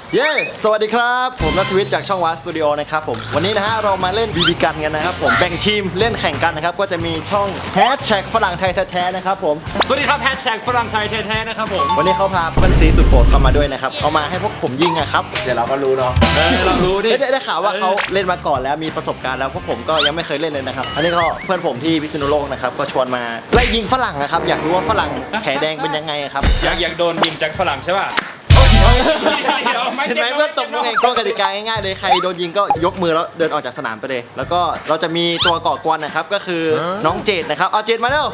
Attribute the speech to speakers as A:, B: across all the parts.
A: เย้สวัสดีครับผมนัทวิทย์จากช่องวาสตูดิโอนะครับผมวันนี้นะฮะเรามาเล่นบีบีกันกันนะครับผมแบ่งทีมเล่นแข่งกันนะครับก็จะมีช่องแฮชแท็กฝรั่งไทยแท้ๆนะครับผม
B: สวัสดีครับแฮชแท็กฝรั่งไทยแท้ๆนะครับผม
A: วันนี้เขาพาเพื่อนซีสุดโปรดเข้ามาด้วยนะครับเอามาให้พวกผมยิงอะครับเดี๋ยวเราก็รู้เนาะ
B: เรารู้ดิ
A: ได้ข่าวว่าเขาเล่นมาก่อนแล้วมีประสบการณ์แล้วพวกผมก็ยังไม่เคยเล่นเลยนะครับอันนี้ก็เพื่อนผมที่พิษณุโลกนะครับก็ชวนมาไล่ยิงฝรั่งนะครับอยากรู้ว่าฝรั่งแผลแดงเป็นยังไงครับ
B: อยากโดนยิงจากฝรั่งใช่ป่ะ
A: เห็นไหมเพื่อนตบมือไงก็กติกาง่ายๆเลยใครโดนยิงก็ยกมือแล้วเดินออกจากสนามไปเลยแล้วก็เราจะมีตัวก่อกวนนะครับก็คือน้องเจดนะครับเอาเจดมาเร็ว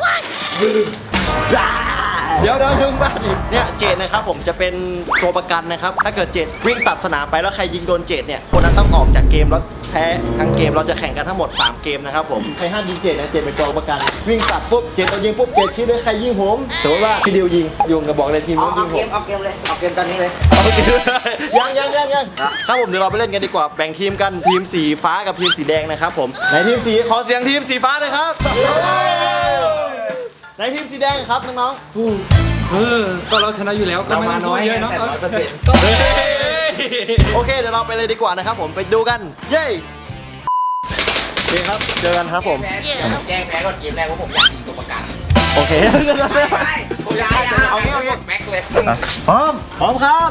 A: เดี๋ยวดึงบ้านเนี่ยเจดนะครับผมจะเป็นตัวประกันนะครับถ้าเกิดเจดวิ่งตัดสนามไปแล้วใครยิงโดนเจดเนี่ยคนนั้นต้องออกจากเกมแล้วแพ้ทั้งเกมเราจะแข่งกันทั้งหมด3เกมนะครับผมใครห้ามยิงเจดนะเจดเป็นตัวประกันวิ่งตัดปุ๊บเจดโดนยิงปุ๊บเจดชี้เลยใครยิงผมสมมติว่าพี่ดิวยิงยุงกระบอกเลยทีมนู้นยิงผม
C: เอาเกมเลยเอาเกมตอนนี้เลย
A: ยังครับผมเดี๋ยวเราไปเล่นกันดีกว่าแบ่งทีมกันทีมสีฟ้ากับทีมสีแดงนะครับผมในทีมสีขอเสียงทีมสีฟ้าหน่อยครับในทีมสีแดงครับน้อง
B: ก็เราชนะอยู่แล้วก็ไม่ต้องพูดเยอะเนาะ
A: ๆโอเคเดี๋ยวเราไปเลยดีกว่านะครับผมไปดูกันเย้โอเคครับเจอกันครับผม
C: แจ้งแพ้ก่อนเกมแรกว่าผมอยากยิงตัวประกัน
A: โอเค
C: ไม่ผมอยากเอาแม็กเลย
A: พร้อมครับ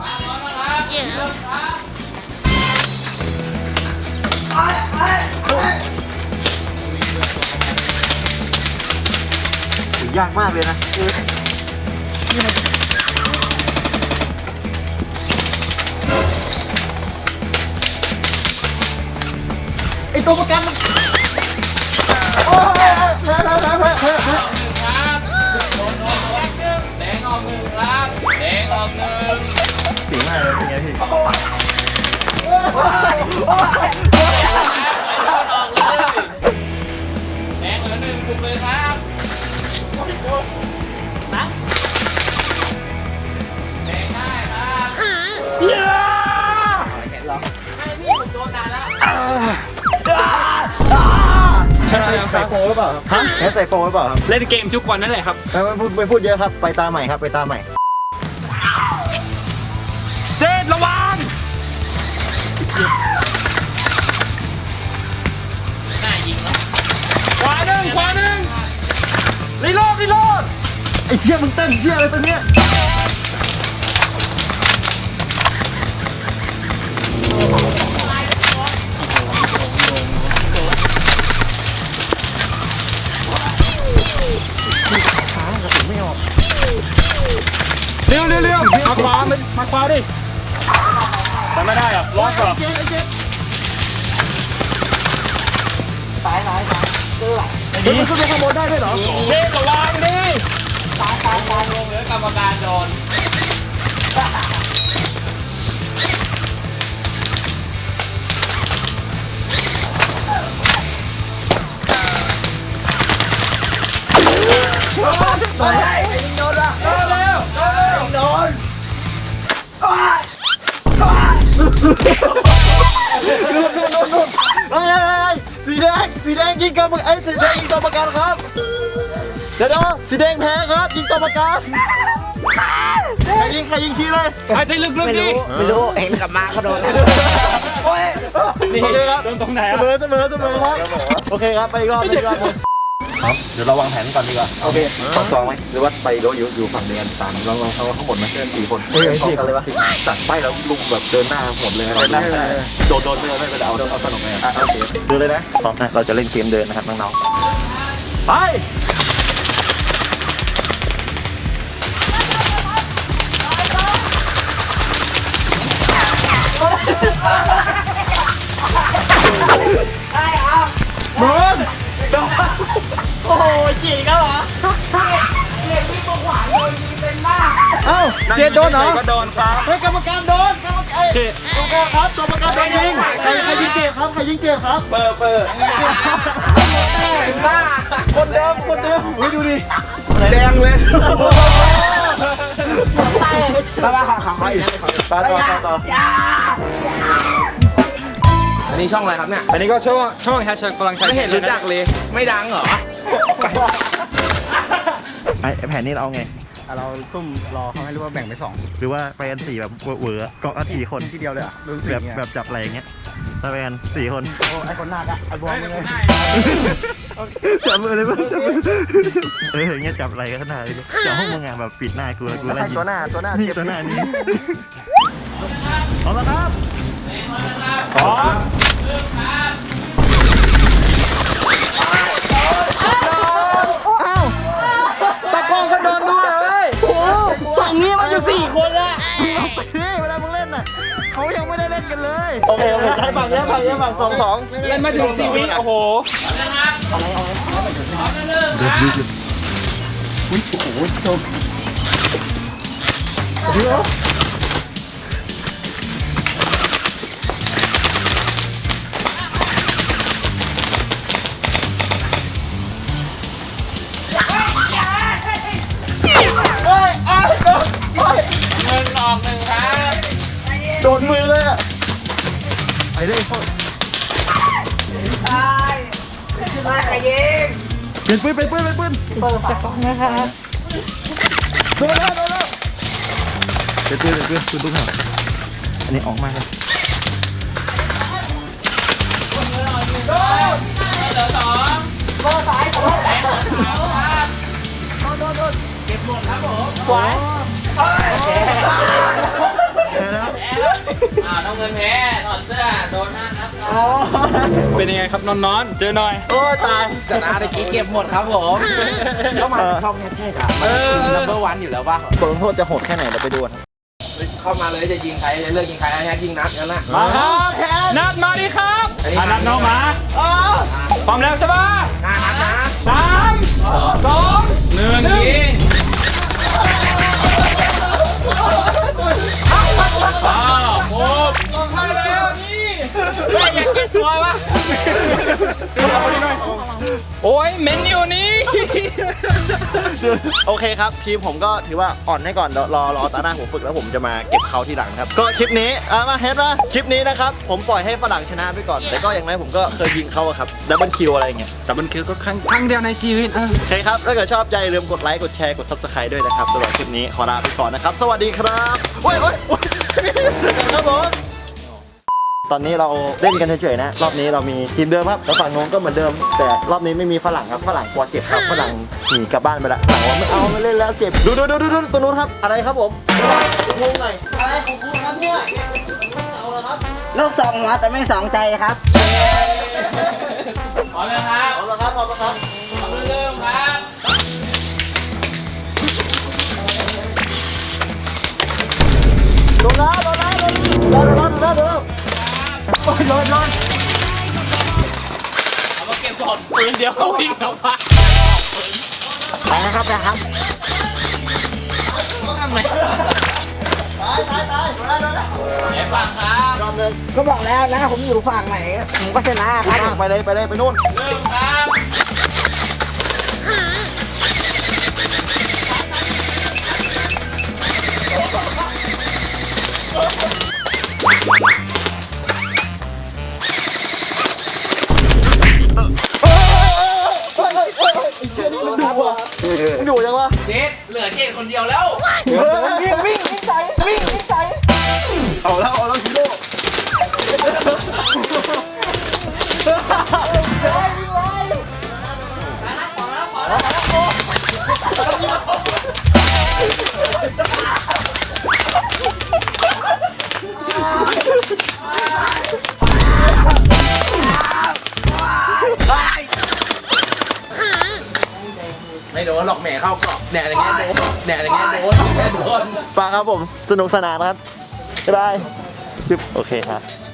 A: ยากมากเลยนะไอตัวประกันมันโอ้ยแพ้
B: แดงออกหนึ่งครับแดงออกหนึ่ง
A: สีมากเลยเป็นไงพี่
B: ออกเลยแดงเหลือหนึ่งถูกเลยครับนะแดงได้ครับให้พี่ผมโดนนานแล้วใช่ครับ
A: ใส่โฟหรือเปล่าครับฮะใส่โฟหรือเปล่าครับ
B: เล่นเกมทุกวันนั่นแหละครับ
A: ไม่พูดเยอะครับไปตาใหม่ครับไปตาใหม่
B: เจดระวังน่ายิงแล้วขวาหนึ่งรีโหลด
A: ไอ้เชี่ยมึงเต้นเชี่ยอะไรตัวเนี้ย
B: เร็วมาขวาดิทำไม่ได้อ่ะล็อกเหรอ
C: ตายเจอ
A: เฮ้ยมันขึ้นไปข้างบนได้ด้วยเหรอ
B: เจดระวังดิ
C: ตาย
B: ลงเหลือกรรมการโดน
C: โดนอ่ะ
B: เร็ว
C: โดน
A: สีแดงยิงกรรมการสีแดงยิงตัวประกันครับเดี๋ยวสีแดงแพ้ครับยิงตัวประกันใครยิงชี้เลย
B: หายใจลึกๆดิ
C: ไม่รู้เห็นกับมาก็โดนโอ้ย
B: นี่
A: โอเคครับ
B: โดนตรงไหน
A: เส
B: อ่ะ
A: มอครับโอเคครับไปอีกรอบครับเดี๋ยวเราวางแผนก่อนดีกว่าโอเค
D: ซองไหมหรือว่าไปโดอยู่ฝั่งเดียวกันตามลองเขาข้างบนไหมเพื่อน4 คน
A: เฮ้ยสี่คนเลยวะ
D: สั่งไปแล้วลุงแบบเดินหน้าหมดเลยอะไรนะโดนไม่เป็นเอาสนุกไหมอ่ะโอเค
A: ดูเลยนะพร้อมนะเราจะเล่นเกมเดินนะครับน้องๆไปโดนโอ้โหจีกันเหรอเอ้าเจนโดนเหรอ
B: ก็โดนครับ
A: เฮ้ยกรรมการโดนกรรมการครับกรรมการโดนยิงใครยิงเจ็บครับใครยิงเจ็บครับเปิดคนเดิมเฮ้ยดูดิแดงเลยต่อ
C: อันนี้ช่องอะไรครับเนี่ย
B: อันนี้ก็ช่องแฮชแท็กฝรั่งไทย
C: ไม่เห็นรู้จักเลยไม่ดังเหรอ
A: ไอ้แผนนี้เราเอาไง
E: เราซุ่มรอเขาให้รู้ว่าแบ่งไปสอง
A: หรือว่าไปกัน4แบบเวอร์ๆเกาะกัน4 คน
E: ทีเดียวเลยอ่ะรุ่นสี่
A: แบบ
E: เนี่ย
A: แบบจับอะไรอย่างเงี้ยไปกัน4 คน
E: โอ้ไอคนหนักอ่ะไอบอลเลย
A: จับมือเลยมั้ยอย่างเงี้ยจับอะไรกันขนาดนี้จับห้องมึงอ่ะแบบปิดหน้ากูแล้วกูไล่ยิง
E: ตัวหน้า
A: นี่ตัวหน้านี่เอาละครับ
B: พร้อม
A: ตะกองก็โดนด้วยเฮ้ยโอ้
B: ฝั่งนี้มันอยู่4 คนละ
A: นี่เวลามึงเล่นน่ะเขายังไม่ได้เล่นกันเลยโอเคให้ฝั่งเนี้ยฝั่ง2
B: เล่นมาถึง4 วิโอ้โห
A: โดนมือเลยอ่ะไอ้เล่น
C: ตายตายใครยิง
A: เป็นปืนเปิดจากกล้องนะคะโดนแล้วเป็นปืนลูกหางอันนี้ออกมาครับ
B: ต้องเงินแพ้ถอดเสื้อโดน5 นัดเป็นยังไงครับนอนๆเจอหน่อย
A: โอ้ตาย
C: ชนะตะกี้เก็บหมดครับผมเข้ามาช่องเท่ๆครับนัมเบอร์วันอยู่แล้วป่ะ
A: บทลงโทษจะโหดแค่ไหนเราไปดูกัน
C: เข้ามาเลยจะยิงใครจะเลือกยิงใครนะยิงนัดกันนะ
A: มาครับแพ้
B: นัดมาดิครับนัดน้องหมาพร้อมแล้วใช่ปะ
C: นัดนะ
B: 3 2 1ยิงโอ้ต้องทำแล้วนี่ไม่อยากเก็บตัววะโอ้ยเมนอยู่นี่
A: โอเคครับทีมผมก็ถือว่าอ่อนให้ก่อนเดี๋ยวรอตาหน้าผมฝึกแล้วผมจะมาเก็บเขาทีหลังครับก็คลิปนี้มาเฮดนะคลิปนี้นะครับผมปล่อยให้ฝรั่งชนะไปก่อนแต่ก็อย่างไรผมก็เคยยิงเขาอะครับดับเบิลคิวอะไรอย่างเงี้ย
B: แต่มันคือก็ครั้งเดียวในชีวิต
A: โอเคครับถ้าเกิดชอบใจอย่าลืมกดไลค์กดแชร์กด Subscribe ด้วยนะครับสำหรับคลิปนี้ขอลาไปก่อนนะครับสวัสดีครับโอ้ยครับผมตอนนี้เราเล่นกันเฉยๆนะรอบนี้เรามีทีมเดิมครับแล้วฝั่งโน้นก็เหมือนเดิม แต่รอบนี้ไม่มีฝรั่งครับฝรั่งกลัวเจ็บครับฝรั่งหนีกลับบ้านไปละฝรั่งว่าไม่เอาไม่เล่นแล้วเจ็บดูตัวนู้นครับอะไรครับผมงงหน่อยอะไรของคุณครับเนี่ยเอาละครับ
C: ลูกสองหัวแต่ไม่สองใจครับ
B: พร้อมแล้วครับ
A: เอาละครับ
B: พร้อมเริ่มครับ
A: โดนแล้วโอ้ยโดน
B: เอามาเก็บก่อนปืนเดียวก็วิ่งแล้วปะ
C: ไปนะครับ
B: ทำไม
A: ตาย
B: ไหนฟังครับ
A: รอบนึง
C: ก็บอกแล้วนะผมอยู่ฝั่งไหนผมก็ชนะครับ
A: ไปเลยไปนู่น
B: เริ่มครับ
A: อยู่ยังวะ
C: เจ็ดเหลือเจ็ดคนเดียวแล้ว
A: วิ่งใส่เอาแล้วฮีโร่
C: ไม่โดนหรอกแหมเข้าเกาะแดดอย่างเงี้ยโดนแดดอย่างเงี้ยโดน
A: ฟังครับผมสนุกสนานครับบ๊ายบายโอเคครับ